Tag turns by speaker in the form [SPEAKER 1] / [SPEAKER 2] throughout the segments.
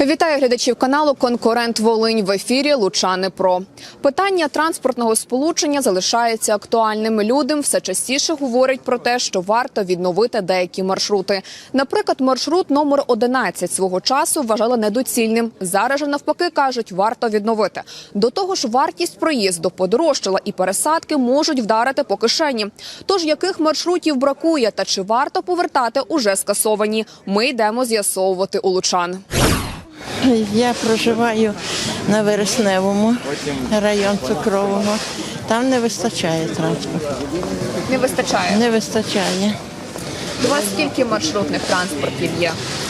[SPEAKER 1] Вітаю глядачів каналу «Конкурент Волинь». В ефірі Лучани Про. Питання транспортного сполучення залишається актуальним. Людям все частіше говорять про те, що варто відновити деякі маршрути. Наприклад, маршрут номер 11 свого часу вважали недоцільним. Зараз же навпаки кажуть, варто відновити. До того ж, вартість проїзду подорожчала і пересадки можуть вдарити по кишені. Тож, яких маршрутів бракує та чи варто повертати уже скасовані? Ми йдемо з'ясовувати у лучан.
[SPEAKER 2] Я проживаю на Вересневому, район Цукрового. Там не вистачає транспорту.
[SPEAKER 1] Не вистачає?
[SPEAKER 2] Не вистачає.
[SPEAKER 1] У вас скільки маршрутних транспортів є?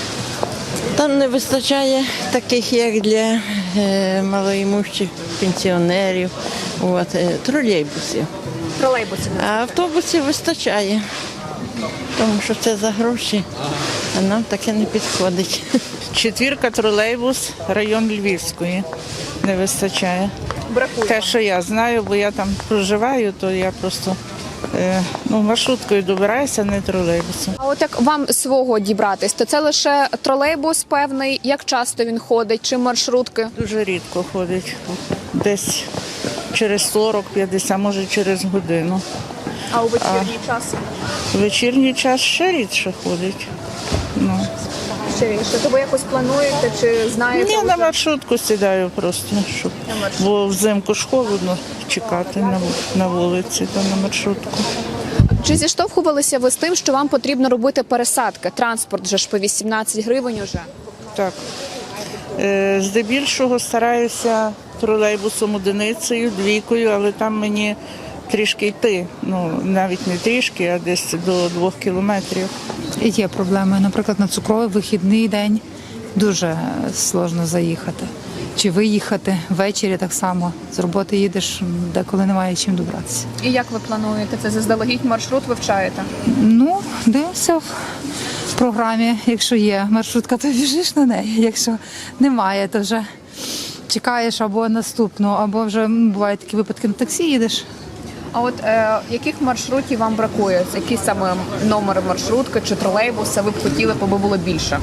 [SPEAKER 2] Там не вистачає таких, як для малоімущих пенсіонерів, тролейбусів.
[SPEAKER 1] Тролейбусів.
[SPEAKER 2] А автобусів вистачає, тому що це за гроші, а нам таке не підходить.
[SPEAKER 3] Четвірка, тролейбус, район Львівської не вистачає.
[SPEAKER 1] Бракує.
[SPEAKER 3] Те, що я знаю, бо я там проживаю, то я просто маршруткою добираюся, не тролейбусом.
[SPEAKER 1] А от як вам свого дібратись, то це лише тролейбус певний? Як часто він ходить? Чи маршрутки?
[SPEAKER 3] Дуже рідко ходить. Десь через 40-50, може через годину.
[SPEAKER 1] А у вечірній час?
[SPEAKER 3] В вечірній час ще рідше ходить.
[SPEAKER 1] Ще інше. То ви якось плануєте чи знаєте?
[SPEAKER 3] Ні,
[SPEAKER 1] вже?
[SPEAKER 3] на маршрутку сідаю просто, щоб, бо взимку ж холодно чекати на вулиці, то на маршрутку.
[SPEAKER 1] Чи зіштовхувалися ви з тим, що вам потрібно робити пересадки? Транспорт вже ж по 18 гривень уже.
[SPEAKER 3] Так. Здебільшого стараюся тролейбусом одиницею, двійкою, але там мені трішки йти. Навіть не трішки, а десь до 2 кілометрів.
[SPEAKER 4] Є проблеми. Наприклад, на Цукровий вихідний день дуже складно заїхати. Чи виїхати ввечері так само. З роботи їдеш, деколи немає чим добратися.
[SPEAKER 1] І як ви плануєте це? Заздалегідь маршрут вивчаєте?
[SPEAKER 4] Дивимося в програмі. Якщо є маршрутка, то біжиш на неї. Якщо немає, то вже чекаєш або наступну, або вже бувають такі випадки, на таксі їдеш.
[SPEAKER 1] А от яких маршрутів вам бракує? Які саме номери маршрутки чи тролейбуса ви б хотіли, аби було більше?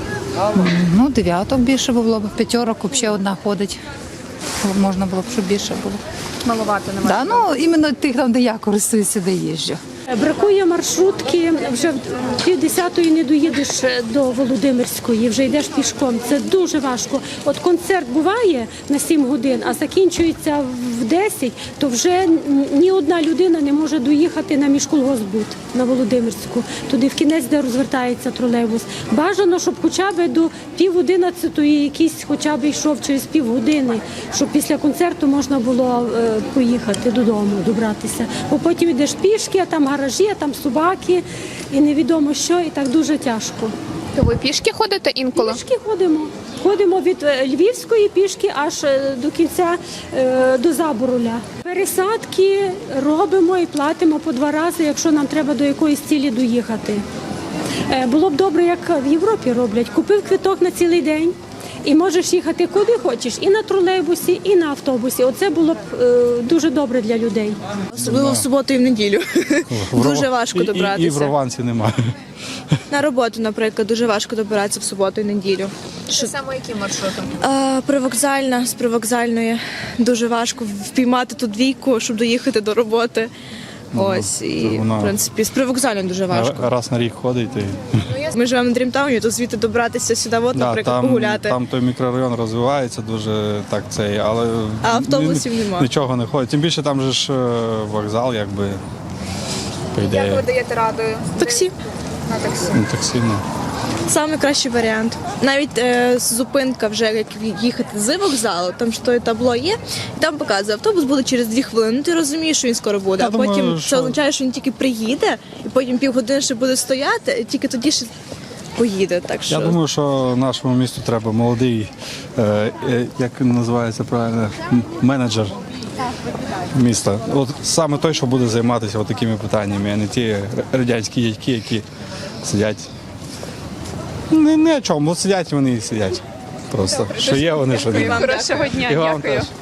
[SPEAKER 4] 9 більше було б, 5 взагалі одна ходить. Можна було б, щоб більше було.
[SPEAKER 1] Малувати немає?
[SPEAKER 4] Іменно тих, там, де я користуюся, де їжджу.
[SPEAKER 5] Бракує маршрутки, вже в 9:30 не доїдеш до Володимирської, вже йдеш пішком. Це дуже важко. От концерт буває на 7 годин, а закінчується в 10, то вже ні одна людина не може доїхати на міськолгоспбуд на Володимирську, туди в кінець, де розвертається тролейбус. Бажано, щоб хоча б до 10:30 якийсь хоча б йшов через півгодини, щоб після концерту можна було поїхати додому, добратися. Бо потім йдеш пішки, а там гаражі, а там собаки і невідомо що, і так дуже тяжко.
[SPEAKER 1] То ви пішки ходите інколи?
[SPEAKER 5] Пішки ходимо. Ходимо від Львівської пішки аж до кінця, до Забороля. Пересадки робимо і платимо по 2 рази, якщо нам треба до якоїсь цілі доїхати. Було б добре, як в Європі роблять. Купив квиток на цілий день і можеш їхати куди хочеш, і на тролейбусі, і на автобусі. Оце було б дуже добре для людей.
[SPEAKER 6] Особливо в суботу і в неділю. Дуже важко добратися.
[SPEAKER 7] І в Рованці немає.
[SPEAKER 6] На роботу, наприклад, дуже важко добиратися в суботу і неділю.
[SPEAKER 1] Що саме які маршрути?
[SPEAKER 6] Привокзальна, з привокзальної дуже важко впіймати ту двійку, щоб доїхати до роботи. Ось, і, в принципі, з привокзальною дуже важко.
[SPEAKER 7] Раз на рік ходить.
[SPEAKER 6] Ми живемо на Дрімтауні, то звідти добратися сюди, наприклад, погуляти.
[SPEAKER 7] Там той мікрорайон розвивається дуже але
[SPEAKER 6] А автобусів нема.
[SPEAKER 7] Нічого не ходить. Тим більше там же ж вокзал, якби, по ідеї.
[SPEAKER 1] Як ви даєте раду?
[SPEAKER 6] Таксі.
[SPEAKER 1] На таксі.
[SPEAKER 7] Таксі,
[SPEAKER 6] Саме кращий варіант. Навіть зупинка вже, як їхати з вокзалу, там що табло є, і там показує, автобус буде через 2 хвилини. Ти розумієш, що він скоро буде, а потім це означає, що він тільки приїде, і потім півгодини ще буде стояти, і тільки тоді ще поїде. Так що...
[SPEAKER 7] Я думаю, що нашому місту треба молодий, як називається правильно, менеджер міста. От саме той, що буде займатися такими питаннями, а не ті радянські дядьки, які сидять. Ні о чому, сидять вони і сидять. Просто. Що є вони, що немає.
[SPEAKER 1] Хорошого дня,
[SPEAKER 7] І вам
[SPEAKER 1] дякую.
[SPEAKER 7] теж.